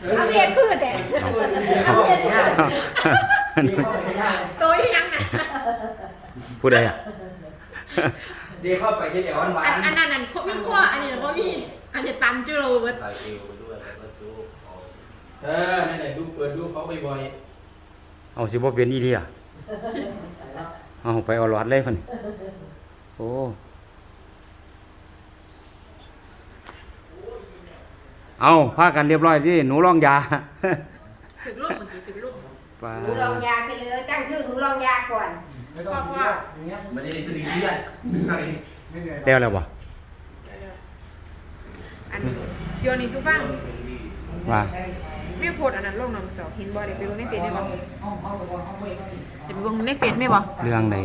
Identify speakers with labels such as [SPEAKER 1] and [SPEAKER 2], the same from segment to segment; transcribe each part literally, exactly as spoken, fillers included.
[SPEAKER 1] เอาเรียนพืชแต่เอาเรียนตัวยังอ่ะ
[SPEAKER 2] ผู้ใดอ่ะ
[SPEAKER 3] เดี๋ยวเข้าไปที่เดี๋ยวหวาน
[SPEAKER 1] อันนั้นนั่นมีข้ออันนี้เพราะมีอันนี้ตันจูโรเบิร์ต
[SPEAKER 4] ใส่เอวไปด้วยแล้วก็จุกออก
[SPEAKER 3] เออนั่นแหละดูเปิดดูเขาบ่อย
[SPEAKER 2] เอาสิบ่เป็นอีเดียเอาไปเอาหลอดเลยพุ่นโอ้เอาพากันเรียบร้อยสิหนูลองยา
[SPEAKER 1] ถึงลูกเมื่อกี้ถึงลูก
[SPEAKER 2] ปลา
[SPEAKER 5] หนูลองยาไปเลยตั้งชื่อหนูลองยาก่อน
[SPEAKER 3] ๆไม่ต้องซีเรียสอย่างเงี้ย
[SPEAKER 4] ไม่ได้ตีเลือดเหนื่อย
[SPEAKER 3] ไม่เหนื่อย
[SPEAKER 2] แล้วแล้วบ่
[SPEAKER 1] อันนี้เชียวนี่ซูฟัง
[SPEAKER 2] ว่า
[SPEAKER 1] ไม่โพดอันนั้นลงน้ำเสาหินบ่เดี๋ยวไปลงในเฟซได้บ่
[SPEAKER 3] ห้องห้องห้องห้องเว้ย
[SPEAKER 1] เดี๋ยวไปลงในเฟซได้บ่
[SPEAKER 2] เรื่องไหน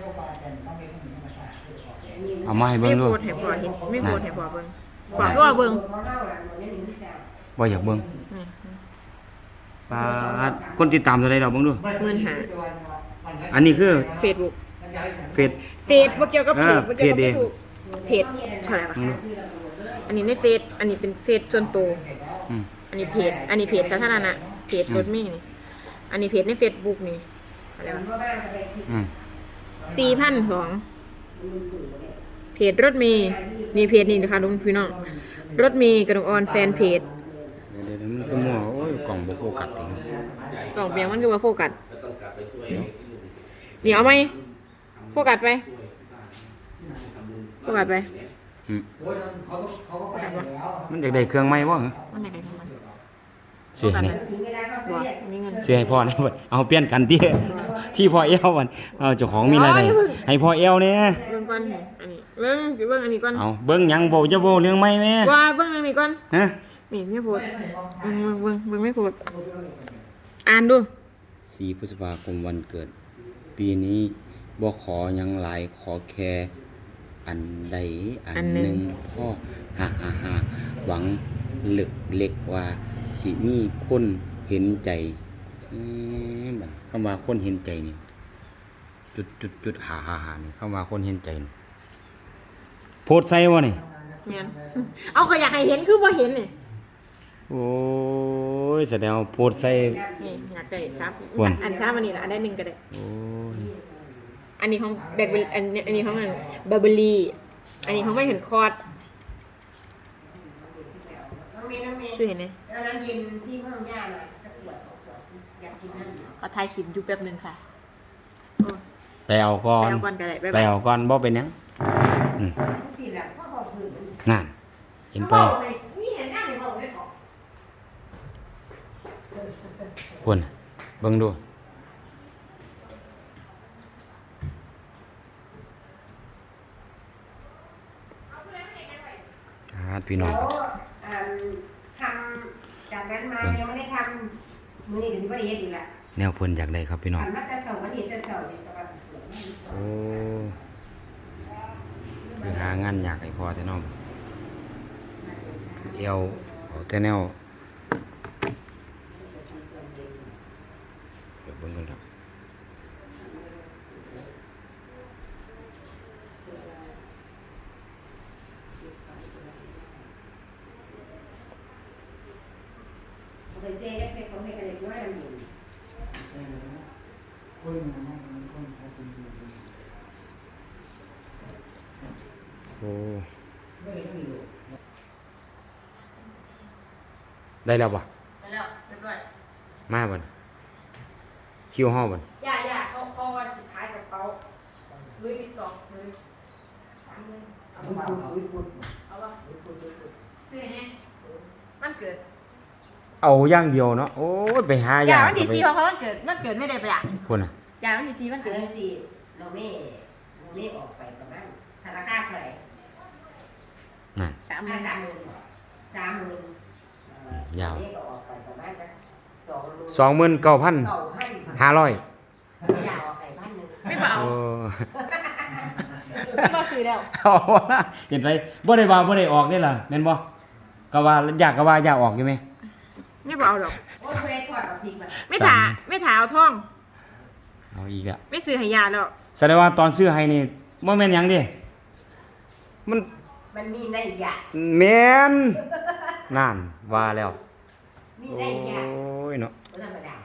[SPEAKER 2] เอามาให้
[SPEAKER 1] ไม่
[SPEAKER 2] เบิ่ง
[SPEAKER 1] โพ
[SPEAKER 2] ดู
[SPEAKER 1] ดให้พ่อเห็นไม่โพดให้พ่อเบิ่งพ่อก็เบิ่ง
[SPEAKER 2] บ่อยากเบิ่งปลาคนติดตามเท่าใดดอกเบิ่งดู
[SPEAKER 1] หมื่นห้า
[SPEAKER 2] อันนี้คือ
[SPEAKER 1] เฟซบุ๊ก
[SPEAKER 2] เฟซ
[SPEAKER 1] เฟซบ่เกี่ยวกับเพจ
[SPEAKER 2] เออ
[SPEAKER 1] บ่เกี่ยวกับ
[SPEAKER 2] เพจเอง
[SPEAKER 1] ถูกเพจเท่าไหร่ป่ะอันนี้ในเฟซอันนี้เป็นเฟซส่วนตัว
[SPEAKER 2] อืม
[SPEAKER 1] อันนี้เพจอันนี้เพจสาธารณะเพจรถเมล์นี่อันนี้เพจใน Facebook นี่อะไรวะ
[SPEAKER 2] อืม
[SPEAKER 1] สี่พันสองเพจรถเมล์นี่เพจนี่นะคะลุงพี่น้องรถเมล์กระดงออนแฟนเพจ
[SPEAKER 2] เดี๋ยวๆมันคือมั่วโอ้ยกล่องบ่โฟกัสติ
[SPEAKER 1] กล่องเบียงมันคือว่าโฟกัส
[SPEAKER 4] ก็ต้องกลับไปช่วย
[SPEAKER 1] เดี๋ยวเอาไหมโฟกัสไปโฟกัสไป
[SPEAKER 2] อืม
[SPEAKER 3] โอ้ยเขาเขาก็ไปแล้ว
[SPEAKER 2] มันอยากได้เครื่องใหม่บ่เหรอ
[SPEAKER 1] มันไหนๆของมัน
[SPEAKER 2] เสียนี่
[SPEAKER 1] บ่มีเงิน
[SPEAKER 2] เสียให้พ่อนะบัดเอาเปลี่ยนกันที่ที่พ่อเอวมันเอาเจ้าของมีรายได้ให้พ่อเอวเนี่ย
[SPEAKER 1] เบิ่งก่อนอันนี้เบิ่งเบิ่งอันนี้ก่อน
[SPEAKER 2] เอาเบิ่งหยังบ่จะบ่เรื่องใหม่แม่
[SPEAKER 1] ว่าเบิ่งอันนี้ก่อน
[SPEAKER 2] ฮะ
[SPEAKER 1] นี่ไม่โพดเบิ่งเบิ่งเบิ่งไม่โพดอ่านดู
[SPEAKER 2] สี่พฤษภาคมวันเกิด ปีนี้บ่ขอหยังหลายขอแค่อันใดอันหนึ่งพ่อฮ่าฮ่าฮ่าหวังเล็กเล็กว่าสิมีคนเห็นใจอืมบัดคำว่าคนเห็นใจนี่จุดจุดจุดฮ่าฮ่าฮ่านี่คำว่าคนเห็นใจนี่โพสต์ใส่บ่นี่
[SPEAKER 1] แม่นเอาก็อยากให้เห็นคือบ่เห็นนี่
[SPEAKER 2] โอ้ยแสดงว่าโพสต์ใส่
[SPEAKER 1] นี่อยากได้ครับ
[SPEAKER 2] อ้วน
[SPEAKER 1] อันช้ามันนี่ละอันได้หนึ่งก็ได้
[SPEAKER 2] โอ้ย
[SPEAKER 1] อันนี้ของแบล็คเบอร์อันนี้อันนี้ของมันบาร์เบอรี่อันนี้ของไม่เห็นคอร์ด
[SPEAKER 5] น้องเมย์น้องเมย์
[SPEAKER 1] ชื่อเห็นไหม
[SPEAKER 5] เอาน้ำเย็นที่ห้องย่ามาสักขวดสองขวดอยากกินน้ำ
[SPEAKER 1] ขอถ่ายคลิปอยู่แป๊บหนึงค่ะโอ้
[SPEAKER 2] ไปเอาก่อ
[SPEAKER 1] ไป
[SPEAKER 2] น
[SPEAKER 1] เอาก่อนก็ได้บ๊าย
[SPEAKER 2] ไป
[SPEAKER 1] บาย
[SPEAKER 2] เอาก่อนบ่เป็นหยังอืม
[SPEAKER 5] สี่หลังพ่อบอกคือ
[SPEAKER 2] นั่นเห็นไป
[SPEAKER 1] นี่เห็นหน้าเห็นบอกได้ถอด
[SPEAKER 2] พุ่นเบิ่งดูครับพี่น้องครับ
[SPEAKER 5] อ่าทำจากนั้นมายังไม่ได้ทำมือนี่ถึงก็ได้เฮ็ดอีกละ
[SPEAKER 2] แนวเพิ่นอยากได้ครับพี่น้อง
[SPEAKER 5] ทำมาแต่เสาร์วันนี้แต่เสาร์เนี่ยประมาณ
[SPEAKER 2] โอ้คือหางานอยากให้พอแต่น้องเอวเอาแต่แนวเดี๋ยวเบิ่งกันครับ
[SPEAKER 5] ไปเซ่ได้ไปเขาให้กันเลยด้วยน้ำเย็น
[SPEAKER 3] คนนะคนเขาเป็น
[SPEAKER 2] โอ้ได้แล้วบ่
[SPEAKER 1] ไปแล้วเรียบร้อย
[SPEAKER 2] มาบ่คิวเฮาบ่
[SPEAKER 1] ย่าย่าเขาเขาวันสุดท้ายกับเขาลุยปิดกล่องเลยสามหมื่นเอา
[SPEAKER 3] พูด
[SPEAKER 1] ปะ
[SPEAKER 3] พูดพูด
[SPEAKER 1] เอาปะซื้อให้แน่มันเกิด
[SPEAKER 2] เอาอย่างเดียวเนาะโอ้ยไปหาอย่
[SPEAKER 1] อา
[SPEAKER 2] ย่าง
[SPEAKER 1] วันที่สี่ของเขามันเกิดมันเกิดไม่ได้ไปอ่ะ
[SPEAKER 2] พุ่นน่ะ
[SPEAKER 1] อย่าวันที่สี่มัน
[SPEAKER 5] เกิ
[SPEAKER 1] เกิ
[SPEAKER 5] ด
[SPEAKER 1] ด
[SPEAKER 5] สิเราไม่เราไม่ออกไปประมาณธนาคารเท่าไหร่
[SPEAKER 2] นั่น
[SPEAKER 1] สามห
[SPEAKER 5] ห้า
[SPEAKER 1] มื่น
[SPEAKER 5] สามหมื่นสามหมื่น
[SPEAKER 2] ยาว
[SPEAKER 5] นี่ก็ออกไปประมาณสักสองหมื่น
[SPEAKER 2] สองหมื่นเก้าพัน
[SPEAKER 5] เก้าพัน
[SPEAKER 2] ห้าร้อย
[SPEAKER 5] ยาวไข่พันหนึ่ง
[SPEAKER 1] ไม่เบา
[SPEAKER 2] โอ้
[SPEAKER 1] ไม่เบาซื้อแล้ว
[SPEAKER 2] เอาวะเห็นไหมบ่ได้ว่าบ่ได้ออกนี่ล่ะแม่นบ่ก็ว่าอยากก็ว่าอยากออกอยู่ไหม
[SPEAKER 1] ไม่เบาหรอก
[SPEAKER 5] โอ้ยไม่ได้ถอดออกดีกว่า
[SPEAKER 1] ไม่ถาไม่ถาเอาท่อง
[SPEAKER 2] เอาอีกแล้ว
[SPEAKER 1] ไม่ซื้อให้ยาแล้ว
[SPEAKER 2] แสดงว่าตอนซื้อให้นี่บ่แม่นหยังดิมัน
[SPEAKER 5] มันมีในยะ
[SPEAKER 2] แม่นนั่นว่าแล้ว
[SPEAKER 5] มมี
[SPEAKER 2] โอ้
[SPEAKER 5] ได้ยาก
[SPEAKER 2] ยเนาะ
[SPEAKER 5] บ่ธรรมดา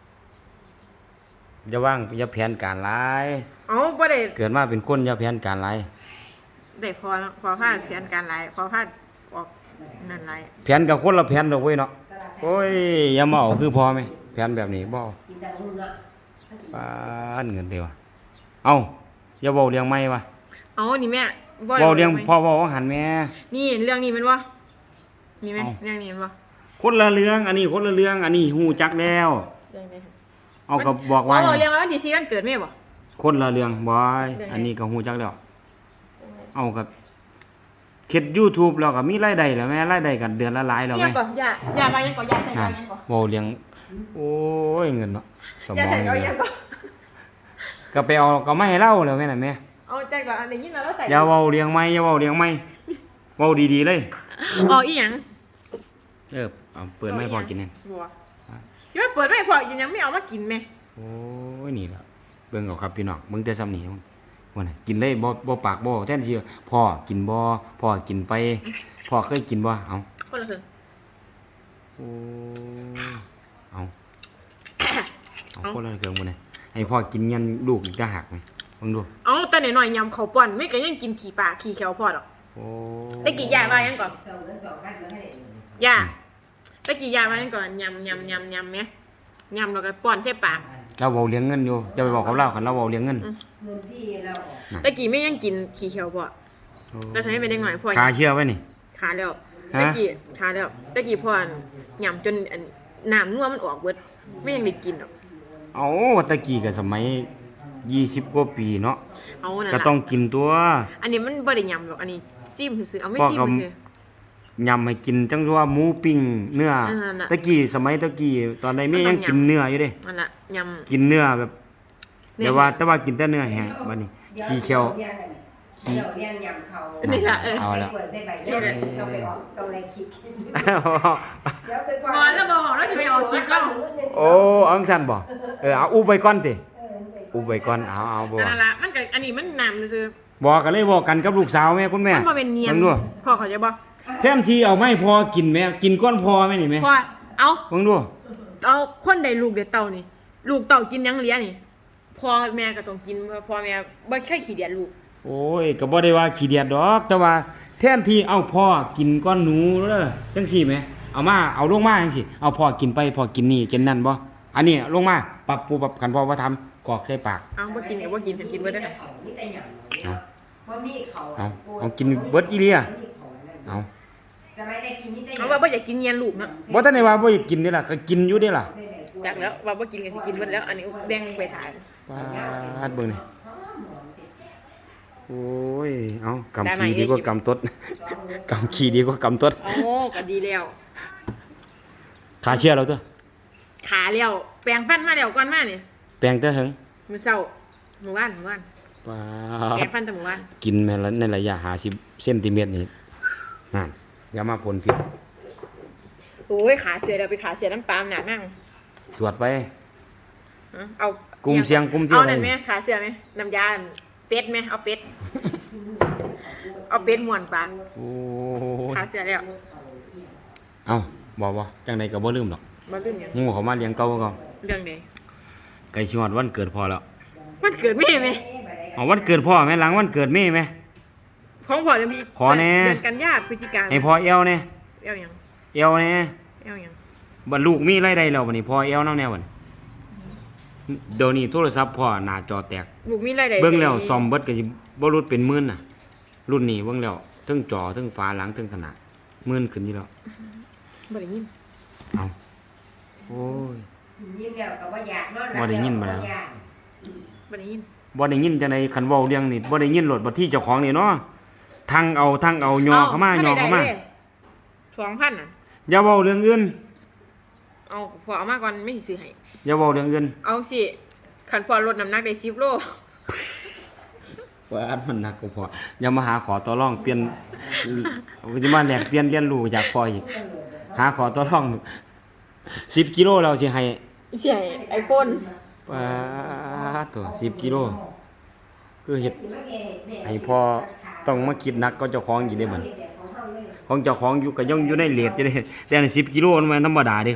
[SPEAKER 2] อย่าว่างอย่าแผนการหลาย
[SPEAKER 1] เอาบ่ได้
[SPEAKER 2] เกิดมาเป็นคนอย่าแผนการหลาย
[SPEAKER 1] ได้พอพอพาดเสียนการหลายพอพาดออกนั่นหลาย
[SPEAKER 2] แผนกับคนละแผนดอกเว้ยเนาะโอ้ยอย่ามาเอาคือพอไหมแผนแบบนี้บ่เอา
[SPEAKER 5] กินแต่หุ่นเนาะ
[SPEAKER 2] ปานเงินเดียวเอ้าอย่าเว้าเรื่องใหม่วะ
[SPEAKER 1] เอานี่แม่
[SPEAKER 2] เว้าเรื่องพ่อเว้าหันแม่
[SPEAKER 1] นี่เรื่องนี้แมันบ่นี่แม่
[SPEAKER 2] เอา
[SPEAKER 1] เรื่องนี้แมันบ่
[SPEAKER 2] คนละเรื่องอันนี้คนละเรื่องอันนี้ฮู้จักแล้ว
[SPEAKER 1] เรื่องนี้
[SPEAKER 2] เอาก็บอกว่า
[SPEAKER 1] เอาเรื่องว่าวันที่สี่วันเกิดแม่บ่
[SPEAKER 2] คนละเรื่องบอย
[SPEAKER 1] เรื่องไหน
[SPEAKER 2] อันนี้ก็ฮู้จักแล้วเอากับเฮ็ด YouTube แล้วก็มีรายได้แล้วแม่รายได้กันเดือนละหลายแล้ว
[SPEAKER 1] ยั
[SPEAKER 2] แม่
[SPEAKER 1] งก่อนอย่าอย่ามายังก่อนอย่าใส่
[SPEAKER 2] นั่
[SPEAKER 1] ก่อน นยังก่อน
[SPEAKER 2] เว้าเรื่องโอ้ยเงินเนาะสม
[SPEAKER 1] อย่า
[SPEAKER 2] อง
[SPEAKER 1] ใส่
[SPEAKER 2] นี่
[SPEAKER 1] ก่อน
[SPEAKER 2] แม่
[SPEAKER 1] ยังก่อน
[SPEAKER 2] ก็ไปเอาก็ไม่ให้เล่าแล้วแม่น่ะแม่
[SPEAKER 1] เอาแจ็คก่อนอันนี้ยินแล้วเราใส่
[SPEAKER 2] อย่าเว้าเรื่องใหม่อย่าเว้าเรื่องใหม่เว้าดีๆเลย
[SPEAKER 1] อ๋ออีหยัง
[SPEAKER 2] เออเอาเปิดไม่พอกินนั่น
[SPEAKER 1] บัวคิดว่าเปิดไม่พออยู่ยังไม่เอามากินแม่
[SPEAKER 2] โอ้ยนี่ล่ะเบิ่งเอาครับพี่น้องมึงแต่ซ้ำนี่มึงว่าน่ะกินเลยบ่บ่ปากบ่แทนสิพ่อกินบ่พ่อกินไปพ่อเคยกินบ่เอา
[SPEAKER 1] คนละครึ่ง
[SPEAKER 2] โอ้เอาเอาคนละเครื่องบ่เนี่ยให้พ่อกินเงินลูกอีกต่างหากไหมมึงดู
[SPEAKER 1] เอาแต่หน่อยๆยำเขาวป่อนไม่ก็ยังกินขี่ปลาขี่แขวพอดอก
[SPEAKER 2] โอ้
[SPEAKER 1] ตะกี้ยายมายังก่อน
[SPEAKER 5] สองเงินสองพันมาให้
[SPEAKER 1] ย่าตะกี้ยายมายังก่อนยำยำยำยำไหมยำแล้วก็ป้อนใช่ปาก
[SPEAKER 2] เราเว้าเลี้ยงเงินอยู่จะไปบอกกับเราคันเราเว้าเลี้ยงเงิน
[SPEAKER 5] เงินที่เราออก
[SPEAKER 1] ตะกี้ไม่ยังกินขี่แขวพอแต่ทำให้เป็นเด็กหน่อยพอ
[SPEAKER 2] ขาเชื่อไว้นี่
[SPEAKER 1] ขาแล้ว
[SPEAKER 2] ฮะ
[SPEAKER 1] ตะกี้ขาแล้วตะกี้พอนยำจนอันน้ำนัวมันออกเบิดไม่ยังได้กินหรอก
[SPEAKER 2] เอาตะกี้ก็สมัยยี่สิบกว่าปีเนาะ
[SPEAKER 1] เอานั่น
[SPEAKER 2] ก็
[SPEAKER 1] ล่ะ
[SPEAKER 2] ต้องกินตัว
[SPEAKER 1] อันนี้มันบ่ได้ยำหรอกอันนี้ซิมซื่อๆเอาไม่
[SPEAKER 2] พ่อ
[SPEAKER 1] ซิม
[SPEAKER 2] ก็
[SPEAKER 1] ซื่อย
[SPEAKER 2] ำให้กินจังว่าหมูปิ้งเนื้อ
[SPEAKER 1] เออน่ะ
[SPEAKER 2] ตะกี้สมัยตะกี้ตอนใดแม่
[SPEAKER 1] มันต้อง
[SPEAKER 2] ยังกิน
[SPEAKER 1] ยำ
[SPEAKER 2] เนื้ออยู่เด้
[SPEAKER 1] นั่นน่ะยำ
[SPEAKER 2] กินเนื้อแบบ
[SPEAKER 1] เนื้อ
[SPEAKER 2] แต่ว่าแต่ว่ากินแต่เนื้อแห้งบัดนี้ขี้เขียว
[SPEAKER 5] เดี๋ยวเลี้ยงยำเขา
[SPEAKER 1] นี่ล่ะเออ
[SPEAKER 2] เอาละ
[SPEAKER 5] ใส่ขวดใส่ใบเดียวต้องไปออกต้องอะไรคิดเดี๋ยวคือ
[SPEAKER 1] บอลแล้วบอลแล้วสิไปเอาคลิปแล้ว
[SPEAKER 2] โอ้อังสันบ่เออเอาอุบไว้ก่อนติอุบไว้ก่อนเอาเอาบ่
[SPEAKER 1] นั่นล่ะมันก็อันนี้มันน้ำซื่อ
[SPEAKER 2] บอกกันเลยบอกกันกับลูกสาวแม่คุณแม่
[SPEAKER 1] มันบ่เป็นเนียน
[SPEAKER 2] บิ่งดู
[SPEAKER 1] พ่อเขาใจบ่
[SPEAKER 2] แทนที่เอาไม่พอกินแม่กินก้อนพอแม่นี่แม่
[SPEAKER 1] พ่อเอา
[SPEAKER 2] เบิ่งดู
[SPEAKER 1] เอาคนใดลูกเด็ดเต่านี่ ลูกเต่ากินหยังเลี้ยนี่พ่อแม่ก็ต้องกินเพราะพ่อแม่บ่เคยขี้เดียดลูก
[SPEAKER 2] โอ้ยก็บ่ได้ว่าขี้เดียดดอก แต่ว่าแทนที่เอาพ่อกินก้อนหนูเด้อจังซี่แหมเอามาเอาลงมาจังซี่เอาพ่อกินไปพ่อกินนี่กินนั่นบ่อันนี้ลงมาปรับปูปรับกันพ่อว่าทำกอกใส่ปาก
[SPEAKER 1] เอาบ่กินก็บ่กินเพิ่นกินเบิดเด้อ
[SPEAKER 5] มีแต่ยำ
[SPEAKER 2] เอา
[SPEAKER 5] ว่ามีเขา
[SPEAKER 2] เอาเอากินเบิดอีเลียเอา
[SPEAKER 5] สมัยแต่กินมีแต่
[SPEAKER 1] เอาว่าบ่อยากกินเนียนลูกเนาะ
[SPEAKER 2] บ่ทันได้ว่าบ่อยากกินเด้ล่ะก็กินอยู่เด้ล่ะ
[SPEAKER 1] จักแล้วว่าบ่กินก็สิกินเบิดแล้ว อันนี้แบ่งไปทาน
[SPEAKER 2] ปาดเบิ่งนี่โอ้ยเอากำ
[SPEAKER 1] ได้ไหม
[SPEAKER 2] ขี้ดีกว่ากำตด กำขี้ดีกว่ากำตด
[SPEAKER 1] โอ้ก็ดีแล้ว
[SPEAKER 2] ขาเชื่อเราตัว
[SPEAKER 1] ขาแล้วแปรงฟันมาแล้วก่อนมานี่
[SPEAKER 2] แปลงเตอถึง
[SPEAKER 1] มื้อเช้ามื้อวานมื้อวาน
[SPEAKER 2] ปา
[SPEAKER 1] แปร
[SPEAKER 2] ด
[SPEAKER 1] งฟันแต่มื้อวาน
[SPEAKER 2] กินแม่นละในระยะห้าสิบเซนติเมตรนี่นั่นอย่ามาพ่นพิษ
[SPEAKER 1] โอ้ยขาเสือเดี๋ยวไปขาเสือน้ำปลาหนานั่ง
[SPEAKER 2] ตรวจไป
[SPEAKER 1] เอา
[SPEAKER 2] กลุ่มเสี่ยงกลุ่มเสี่ยง
[SPEAKER 1] เอานั่นไหมขาเสือไหมน้ำยาเป็ดไหมเอาเป็ด เอาเป็ดม่วนปลา
[SPEAKER 2] โอ้ย
[SPEAKER 1] ขาเสือแล้ว
[SPEAKER 2] เอ้าบอกว่าจังใดก็บ่ลืมดอก
[SPEAKER 1] มาลืมหยัง
[SPEAKER 2] งูเขามาเลี้ยงเก่าก็
[SPEAKER 1] เรื่องใด
[SPEAKER 2] ไก่ชิฮอดวันเกิดพ่อแล้ว
[SPEAKER 1] มันเกิดไม่ไหม
[SPEAKER 2] เอาวันเกิดพ่อแม่หลังวันเกิดแม่แม่
[SPEAKER 1] ของพ่อเดือนพี่
[SPEAKER 2] ขอแน่
[SPEAKER 1] เดือนกันยาพฤศจิกา
[SPEAKER 2] ให้พ่อเอวแน่
[SPEAKER 1] เอวหยัง
[SPEAKER 2] เอวแน่
[SPEAKER 1] เอวหยัง
[SPEAKER 2] บัดลูกมีรายได้แล้วบัดนี้พ่อเอวนำแน่บัดนี้เดี๋ยวนี้โทรศัพท์พ่อหน้าจอแตก
[SPEAKER 1] บุกมีอะไรใด
[SPEAKER 2] เบิ่งแล้วซ่อมเบิดก็สิบ่รุดเป็นหมื่นน่ะ รุ่นนี้เบิ่งแล้วเทั้งจอเทั้งฝาหลังเทั้งขนาดหมื่นขึ้นอยู่แล้ว
[SPEAKER 1] บ่ได้ยิน
[SPEAKER 2] เอาโอ้ย
[SPEAKER 5] ยิ้มแล้วก็บ่อยากนอน
[SPEAKER 2] บ่ได้ยินมาแล้ว
[SPEAKER 1] บ่ได้ยิน
[SPEAKER 2] บ่ได้ยินจังได๋คันเว้าเรื่องนี่บ่ได้ยินโลดบ่ที่เจ้าของนี่เนาะทั้งเอาทั้งเอาย่อเข้ามาย่อเข้ามา
[SPEAKER 1] สองพันอ่ะ
[SPEAKER 2] อย่าเว้าเรื่องอื่น
[SPEAKER 1] เอาพอเอามาก่อนไม่สิซื้อให้
[SPEAKER 2] อย่าเว้าเรื่องอื่น
[SPEAKER 1] เอาสิขันพอลดน้ำหนักได้สิบโล
[SPEAKER 2] ว่าอันมันหนักกว่าพออย่ามาหาขอต่อรองเปลี่ยนสิมาแลกเปลี่ยนเรียนรู้จากพ่ออีกหาขอต่อรองสิบกิโลแล้วสิให้
[SPEAKER 1] ใช่ไอโฟน
[SPEAKER 2] ปาดตัวสิบกิโลคือเฮ็ดให้พ่อต้องมาคิดหนักก็เจ้าของอีกได้บัดของเจ้าของอยู่ก็ยังอยู่ในเรทอยู่เด้แต่อันสิบกิโลมันบ่ธรรมดาเด้ครับ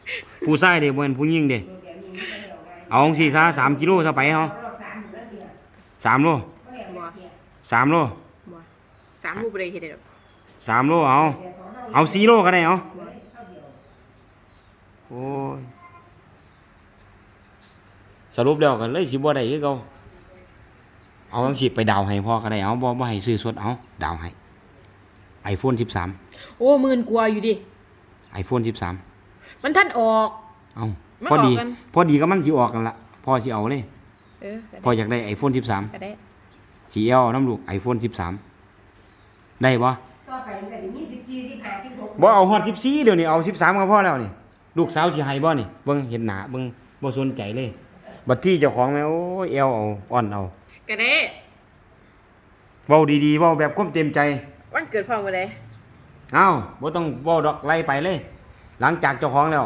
[SPEAKER 2] ผู้ชายเด้บ่แม่นผู้หญิงเด้
[SPEAKER 5] เดี๋ยวนี้มันก็เดี๋ยวไง
[SPEAKER 2] เอาจังซี่ซะสามกิโลซะไปเฮา
[SPEAKER 5] รอบสามอยู่แล้วเดียว
[SPEAKER 2] สามโล
[SPEAKER 5] ก็เดี๋ยวมาเที่ยว
[SPEAKER 2] สามโล
[SPEAKER 1] บ่สามลูกบ่ได้เฮ็ดได้ดอก
[SPEAKER 2] สามโลเอา
[SPEAKER 5] เดี๋ยวของร
[SPEAKER 2] เอาสี่โลก็ได้เอา
[SPEAKER 5] เฮ้ยเข้าเดียว
[SPEAKER 2] โอ้ยสรุปแล้วกันเลยสิบ่ได้คือเก่าเอาจังสิไปดาวให้พ่อก็ได้เอาบ่บ่ให้ซื้อสดเอาดาวให้ iPhone สิบสาม
[SPEAKER 1] โอ้หมื่นกว่าอยู่ดิ
[SPEAKER 2] iPhone สิบสาม
[SPEAKER 1] มันท่านออก
[SPEAKER 2] เอา
[SPEAKER 1] มัน
[SPEAKER 2] พอดี
[SPEAKER 1] ออกกัน
[SPEAKER 2] พอดีก็มันสิออกกันละพ่อสิเอาเลย
[SPEAKER 1] เออก็
[SPEAKER 2] พ่อ
[SPEAKER 1] ได้
[SPEAKER 2] อยากได้ iPhone สิบสาม
[SPEAKER 1] ก็ได้
[SPEAKER 2] สีเอลน้ำลูก iPhone สิบสามได้บ่
[SPEAKER 5] ต่อไปมันก็จะมีสิบสี่สิบห้าสิบหก
[SPEAKER 2] บ่เอาฮอดสิบสี่เดี๋ยวนี้เอาสิบสามก็พอแล้วนี่ลูกสาวสิให้บ่นี่เบิ่งเห็นหน้าเบิ่งบ่สนใจเลยบัดที่เจ้าของแม่โอ้ยเอวเอาอ่อนเอา
[SPEAKER 1] ก็ได้
[SPEAKER 2] เว้าดีๆเว้าแบบความเต็มใจ
[SPEAKER 1] วันเกิดพ่อมื้อใด
[SPEAKER 2] เอ้าบ่ต้องเว้าดอกไล่ไปเลย หลังจากเจ้าของแล้ว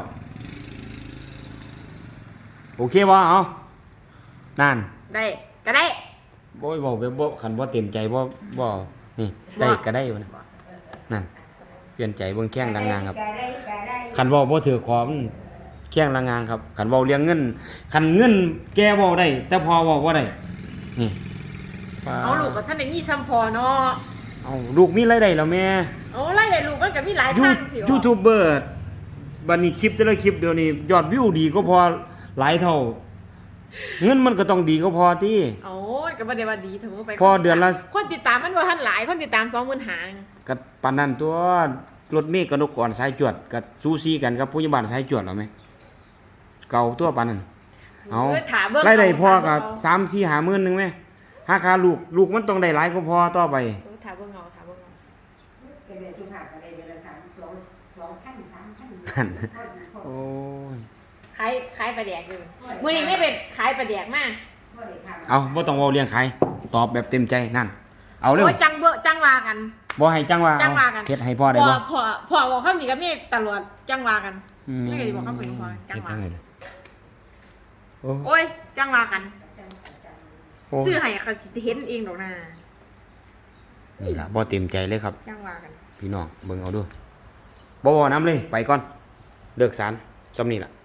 [SPEAKER 2] โอเคบ่เอานั่น
[SPEAKER 1] ได้ก็ได้
[SPEAKER 2] บ่เว้าแบบบ่คันบ่เต็มใจบ่บ่นี่ได้ก็ได้วะนะนั่นเปลี่ยนใจเบิ่งแข้งดังงานครับ
[SPEAKER 5] ก็ได้ก็ได้
[SPEAKER 2] คันเว้าบ่ถือขอมันแข้งดังงานครับคันเว้าเรื่องเงินคันเงินแกเว้าได้ แต่พอเว้าบ่ได้นี่
[SPEAKER 1] เอาลูกกับท่านได้มีซ้ำพอเนาะ
[SPEAKER 2] เอาลูกมีรายได้แล้วแม่
[SPEAKER 1] เอาไล่ได้ลูกมันก็มีหลาย
[SPEAKER 2] ยู
[SPEAKER 1] ทางสิ
[SPEAKER 2] ยูทูบเบอร์บัดนี้คลิปแต่ละคลิปเดี๋ยวนี้ยอดวิวดีก็พอหลายเท่า เงินมันก็ต้องดีก็พอติ
[SPEAKER 1] เอาก็บ่ได้ว่าดีเสมอไป
[SPEAKER 2] พอเดือนละ
[SPEAKER 1] คนติดตามมันบ่ทันหลายคนติดตามสองหมื่นห้า
[SPEAKER 2] ก็ปานนั้นตัวรถเมฆกับนกก่อนสายจวดก็ซูซีกันกับผู้ใหญ่บ้านสายจวดแล้วไหมเก่าตัวปานนั้นเอา
[SPEAKER 1] เออถามเบิ่ง
[SPEAKER 2] รายได้พอกับ
[SPEAKER 1] เา
[SPEAKER 2] สามสี่ห้าหมื่นหนึงไหมหาค่าลูกลูกมันต้องได้หลายก็พอต่อไป
[SPEAKER 1] เออถามเบิ่งเอาถามเบิ่งเอา
[SPEAKER 5] ก็เดือนสุภาพก็ได้เดือนละสามสองสองพันสามพัน
[SPEAKER 2] นั่น โอ้ย
[SPEAKER 1] ขายขายปลาแดกอยู่มื้อนี้ไม่เป็นขายปลาแดกมา
[SPEAKER 5] ก็ได้ทำ
[SPEAKER 2] เอาบ่ต้องเว้าเลี้ยงใครตอบแบบเต็มใจนั่นเอาเร็ว
[SPEAKER 1] โอ้ยจังเบิ่จังว่ากัน
[SPEAKER 2] บ่ให้จังว่า
[SPEAKER 1] จั
[SPEAKER 2] เอา
[SPEAKER 1] งว่ากัน
[SPEAKER 2] เฮ็ดให้พ่อได้บ่
[SPEAKER 1] พ่อพ่อบอกคำนี้กับนี่ตลอดจังว่ากัน
[SPEAKER 2] อืม
[SPEAKER 1] ไม่เคยบอกคำนี้พ่อจังว่า
[SPEAKER 2] เฮ็ดจังได๋โอ้
[SPEAKER 1] โอ้ยจังว่ากัน
[SPEAKER 2] โอ้
[SPEAKER 1] ซื้อให้ก็สิเห็นเองดอกนะ
[SPEAKER 2] นี่ล่ะบ่เต็มใจเลยครับ
[SPEAKER 1] จังว่ากัน
[SPEAKER 2] พี่น้องเบิ่งเอาดูบ่บ่น้ำเลย ไปก่อน เลิกสารซำนี้ล่ะ